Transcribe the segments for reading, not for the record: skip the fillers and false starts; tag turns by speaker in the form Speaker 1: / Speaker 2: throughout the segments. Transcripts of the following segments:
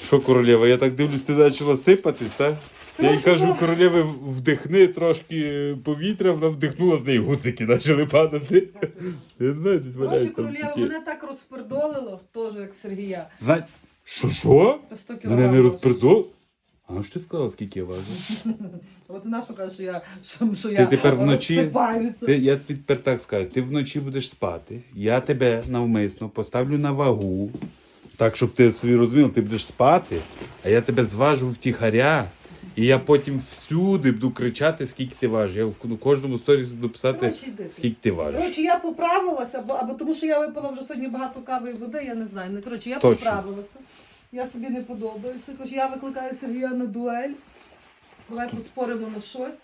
Speaker 1: Що, королева, я так дивлюсь, ти почала сипатись, так? Я їй кажу, королеви, вдихни трошки повітря, вона вдихнула, в неї гуцики почали падати. Я знаю, десь
Speaker 2: Коротше,
Speaker 1: валяється в
Speaker 2: королева,
Speaker 1: путі.
Speaker 2: мене так розпердолило, теж як Сергія.
Speaker 1: Знаєте, що?
Speaker 2: То 100
Speaker 1: Мене
Speaker 2: кілограмів.
Speaker 1: не розпердол? А що ти сказала, скільки я важу?
Speaker 2: От вона що каже, що я
Speaker 1: тепер вночі-
Speaker 2: розсипаюся.
Speaker 1: Я тобі тепер так скажу, ти вночі будеш спати, я тебе навмисно поставлю на вагу, так, щоб ти собі розумів, ти будеш спати, а я тебе зважу втіхаря, і я потім всюди буду кричати, скільки ти важиш. Я в кожному сторісі буду писати,
Speaker 2: Коротше, йди ти.
Speaker 1: скільки ти важиш.
Speaker 2: Коротше, я поправилася, або тому що я випила вже сьогодні багато кави і води, я не знаю. Ну, коротше, я
Speaker 1: Точно.
Speaker 2: поправилася. Я собі не подобаюся. Коротше, я викликаю Сергія на дуель. Давай поспоримо на щось.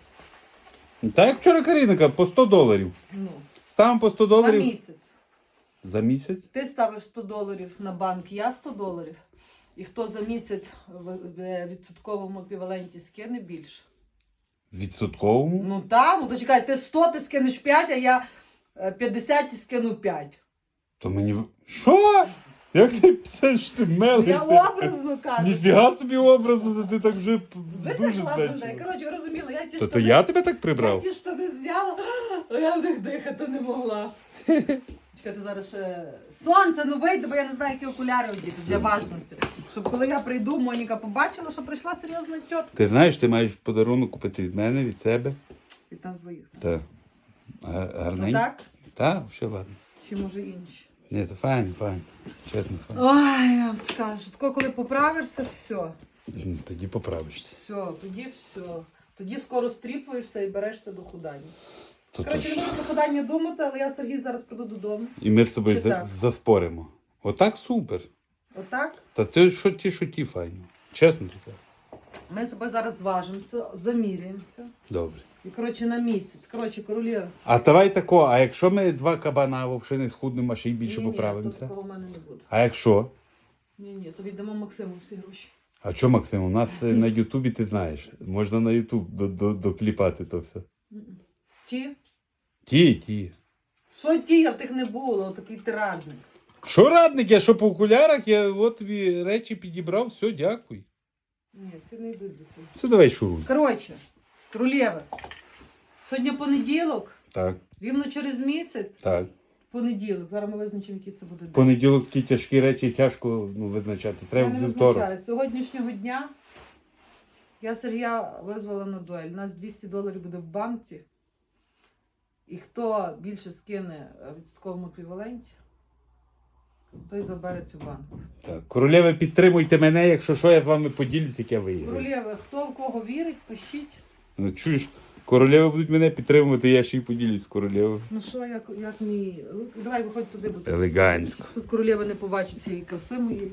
Speaker 1: Так як вчора Карина каже, по $100.
Speaker 2: Ну,
Speaker 1: Ставимо по $100
Speaker 2: на місяць.
Speaker 1: за місяць.
Speaker 2: Ти ставиш $100 на банк, я $100. І хто за місяць в відсотковому еквіваленті скине більше.
Speaker 1: Відсотковому.
Speaker 2: Ну так, ну то чекай, ти 100, ти скинеш 5, а я 50 і скину 5.
Speaker 1: То мені... Що? Як ти писаєш, ти мелиш?
Speaker 2: Я
Speaker 1: ти?
Speaker 2: образно кажу.
Speaker 1: Ніфіга собі образу, ти так вже
Speaker 2: Ви
Speaker 1: дуже
Speaker 2: зайшла
Speaker 1: значила.
Speaker 2: Коротше, ви розуміли, я ті
Speaker 1: То
Speaker 2: штани,
Speaker 1: я тебе так
Speaker 2: я
Speaker 1: прибрав?
Speaker 2: ті штани зняла, а я в них дихати не могла. Чекайте, зараз ще сонце, ну вийде, бо я не знаю, які окуляри одіти для важності. Щоб коли я прийду, Моніка побачила, що прийшла серйозна тітка.
Speaker 1: Ти знаєш, ти маєш подарунок купити від мене, від себе.
Speaker 2: Від нас двоїх.
Speaker 1: Так.
Speaker 2: Ну
Speaker 1: Гарненько?
Speaker 2: так?
Speaker 1: Так, все ладно.
Speaker 2: Чи може інші?
Speaker 1: Ні, це файно, файно. Чесно, файно.
Speaker 2: Ой, я вам скажу. Тако, коли поправишся, все.
Speaker 1: Тоді поправишся.
Speaker 2: Все, тоді все. Тоді скоро стріпуєшся і берешся до худання.
Speaker 1: То
Speaker 2: Коротше, не
Speaker 1: точно.
Speaker 2: буду про худання думати, але я Сергій зараз прийду додому.
Speaker 1: І ми з тобою
Speaker 2: Чи так?
Speaker 1: заспоримо. Отак супер.
Speaker 2: Отак.
Speaker 1: Та ти що ті файно. Чесно тобі.
Speaker 2: Ми з собою зараз зважимося, заміряємося.
Speaker 1: Добре.
Speaker 2: І, коротше, на місяць. Коротше, королєва.
Speaker 1: А давай тако, а якщо ми 2 кабана взагалі не схуднемо, а ще й більше
Speaker 2: Ні,
Speaker 1: поправимося?
Speaker 2: такого в мене не буде.
Speaker 1: А якщо?
Speaker 2: Ні, то віддамо Максиму всі гроші.
Speaker 1: А що, Максим, у нас на Ютубі ти знаєш. Можна на Ютуб докліпати то все.
Speaker 2: Ті?
Speaker 1: Ті.
Speaker 2: Що ті, я в тих не було, такий тирадник.
Speaker 1: Що радник, я що по окулярах, я от тобі речі підібрав, все, дякую.
Speaker 2: Ні, ці не йдуть до цього.
Speaker 1: Все, давай шуруй.
Speaker 2: Коротше, королєва. Сьогодні понеділок,
Speaker 1: Так,
Speaker 2: рівно через місяць.
Speaker 1: так.
Speaker 2: Понеділок. Зараз ми визначимо, який це буде день.
Speaker 1: Понеділок ті тяжкі речі тяжко визначати.
Speaker 2: Я
Speaker 1: Треба
Speaker 2: не
Speaker 1: вівторок.
Speaker 2: визначаю. З сьогоднішнього дня я Сергія визвала на дуель. У нас $200 буде в банці. І хто більше скине в відсотковому еквіваленті, той забере цю банку.
Speaker 1: Так. Королеви, підтримуйте мене, якщо що, я з вами поділюсь, як я виграю.
Speaker 2: Королєви, хто в кого вірить, пишіть.
Speaker 1: Ну, чуєш, королеви будуть мене підтримувати, я ще й поділюсь з королевою.
Speaker 2: Ну що, як мій... Давай виходь туди, бо тут,
Speaker 1: Елегантсько.
Speaker 2: тут королєва не побачить цієї краси моєї.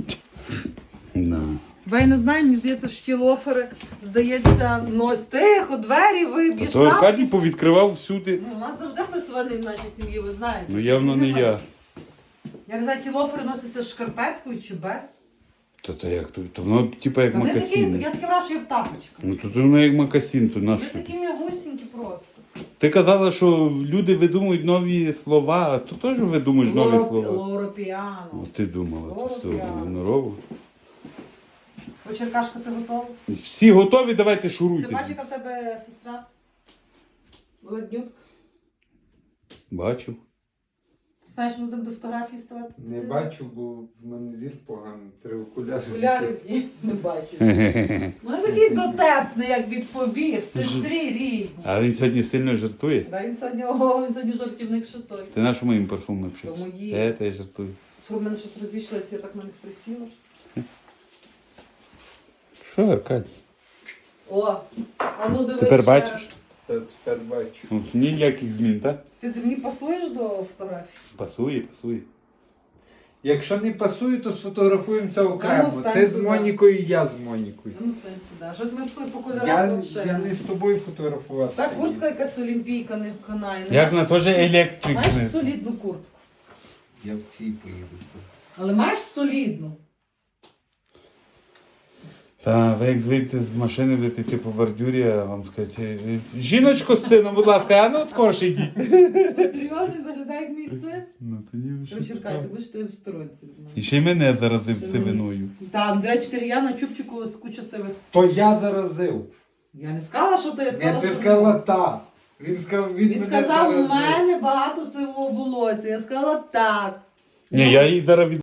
Speaker 1: Да.
Speaker 2: Ви не знаю, мені здається, що ті лофери, здається, нось тихо, двері виб'єш.
Speaker 1: То Аркадій повідкривав всюди.
Speaker 2: Ну, у нас завжди хтось винний в нашій сім'ї, ви знаєте.
Speaker 1: Ну явно не я.
Speaker 2: Я не знаю, ті лофери носяться з шкарпеткою чи без.
Speaker 1: То як то? То воно типа як
Speaker 2: Та вони такі,
Speaker 1: макасін.
Speaker 2: я таке вражу, що я в тапочках.
Speaker 1: Ну то воно як макасін, то
Speaker 2: Вони
Speaker 1: наш.
Speaker 2: такі м'ягусінькі просто.
Speaker 1: Ти казала, що люди видумують нові слова, а то теж видумуєш нові слова.
Speaker 2: Лоропіано.
Speaker 1: О, ти думала, то все
Speaker 2: Лоропіано.
Speaker 1: гонорово.
Speaker 2: Черкашка, ти готова?
Speaker 1: Всі готові, давайте
Speaker 2: Ти
Speaker 1: шуруйте.
Speaker 2: бачиш, яка в тебе сестра? Ладнютка.
Speaker 1: Бачу.
Speaker 2: Ти знаєш, ми будемо до фотографії ставати?
Speaker 3: Не бачу, бо в мене зір поганий. Треба окуляри.
Speaker 2: Окуляри не бачу. Ну такий дотепний, як відповів, сестрі рідні.
Speaker 1: А він сьогодні сильно жартує.
Speaker 2: Да, він сьогодні жартівник що той.
Speaker 1: Ти на що моїм парфумом пшиш?
Speaker 2: То мої.
Speaker 1: Та я жартую.
Speaker 2: Що в мене щось розійшлося, я так на них присіла.
Speaker 1: Що, Аркадій?
Speaker 2: О, а ну дивись.
Speaker 1: Тепер
Speaker 2: ще
Speaker 1: бачиш?
Speaker 2: раз.
Speaker 3: Та тепер бачу.
Speaker 1: Ну, ніяких змін, так?
Speaker 2: Ти мені пасуєш до фотографії?
Speaker 1: Пасує.
Speaker 3: Якщо не пасує, то сфотографуємося окремо.
Speaker 2: стань
Speaker 3: Ти з
Speaker 2: сюди.
Speaker 3: Монікою, я з Монікою.
Speaker 2: Ну стань сюди. Щось ми все по кольорах
Speaker 3: Я
Speaker 2: взагалі.
Speaker 3: не з тобою фотографувати.
Speaker 2: Та куртка якась олімпійка не вконає.
Speaker 1: Як на теж електрик.
Speaker 2: Маєш солідну куртку.
Speaker 3: Я в цій поїду.
Speaker 2: Але маєш солідну.
Speaker 1: Та ви як вийдете з машини, будете йти по бордюрі, а вам скажуть, жіночко з сином, будь ласка, а ну скорше йдіть.
Speaker 2: Ти серйозно виглядає як мій син?
Speaker 1: Ну тоді ви
Speaker 2: Короче, Чекай, ти будеш ти в сторонці від мене.
Speaker 1: І ще й мене заразив сивиною.
Speaker 2: Там, до речі, Сергія на чубчику з куча сивих.
Speaker 3: То я заразив.
Speaker 2: Я не сказала, що ти, я сказала,
Speaker 3: Ні, ти
Speaker 2: що
Speaker 3: сказала та. Він сказав,
Speaker 2: Він
Speaker 3: мене
Speaker 2: сказав, у
Speaker 3: заразив.
Speaker 2: мене багато сивого волосся. Я сказала так.
Speaker 1: Ні, я їй зараз від